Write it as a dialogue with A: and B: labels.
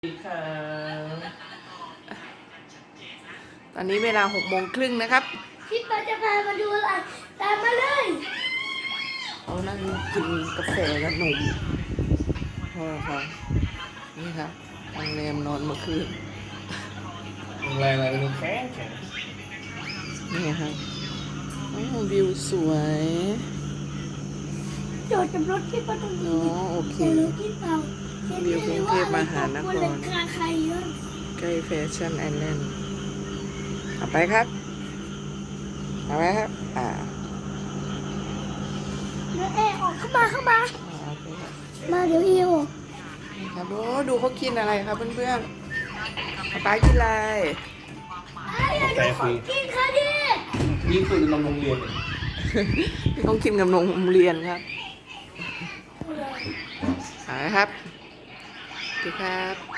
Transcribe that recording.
A: ตอนนี้เวลา6:30นะครับ
B: พี่ปาจะพามาดูอะไรตามมาเลย
A: เขานั่งกินกาแฟกับนมพ่อเขานี่ครับโรงแรมนอนเมื่อคืน
C: โรงแรมอะไรเป็นโรงแข็ง
A: นี่ครับโอ้วิวสวย
B: จอดกับรถที่ปาตรงนี้
A: โอเค
B: รถที่เรา
A: วิวกรุงเทพมหานคร
B: ใครเยอะ
A: ใกล้แฟชั่นไอแลนด์เอาไปครับเอาไปครับ
B: แล้วเอออกเข้ามามาเดี๋ยวออก
A: ครับดูเขากินอะไรครับเพื่อนๆป๊ากินอะไร
C: กาแฟฟรี
B: กินค่ะดิ
C: นี่คือนมโรงเรียน
A: ต้องกินกับนมโรงเรียนครับเอาละครับสวัสดีครับ